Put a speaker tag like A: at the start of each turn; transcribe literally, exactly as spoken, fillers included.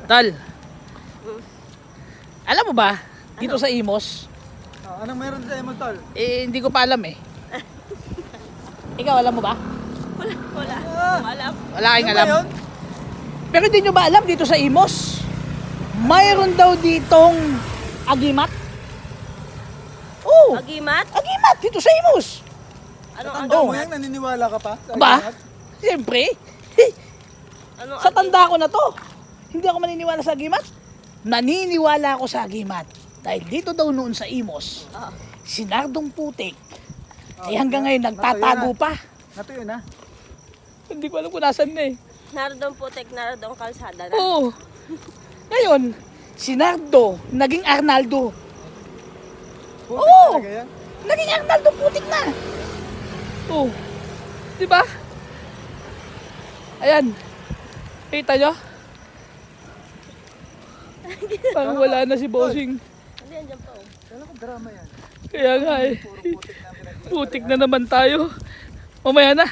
A: Tal, alam mo ba, dito sa Imos,
B: Oh, anong meron sa emo, tol?
A: eh hindi ko pa alam eh. Ikaw alam mo ba?
C: Wala, wala.
B: Ah,
C: Alam.
A: Wala kayong
B: ano ba
A: alam.
B: yun?
A: Pero hindi nyo ba alam dito sa Imos, mayroon daw ditong agimat? Oo,
C: Agimat?
A: agimat dito sa Imos.
C: Anong
B: Tanda mo
C: agimat?
B: yan, naniniwala ka pa? Sa
A: Ba?
B: agimat?
A: Siyempre.
C: Anong
A: Sa tanda ko na to, hindi ako maniniwala sa agimat. Naniniwala ako sa agimat. Dahil dito daw noon sa Imos,
C: Ah.
A: si Nardong Putik,
B: Oh,
A: eh hanggang ngayon nagtatago pa.
B: Natuyo na.
A: Hindi ko alam kung nasan na eh.
C: Narodong putek, narodong kalsada na.
A: Oo. Ngayon, si Nardo, naging Arnaldo.
B: Putik
A: Oo.
B: talaga yan.
A: Naging Arnaldo Putik na. Oo. Di ba? Ayan. Kita nyo? Parang wala na si Bossing.
C: Hindi, andyan pa oh.
B: Kala ko drama yan.
A: Kaya nga eh.
B: Puro putik na pinag-
A: Putik na naman tayo. Mamaya na.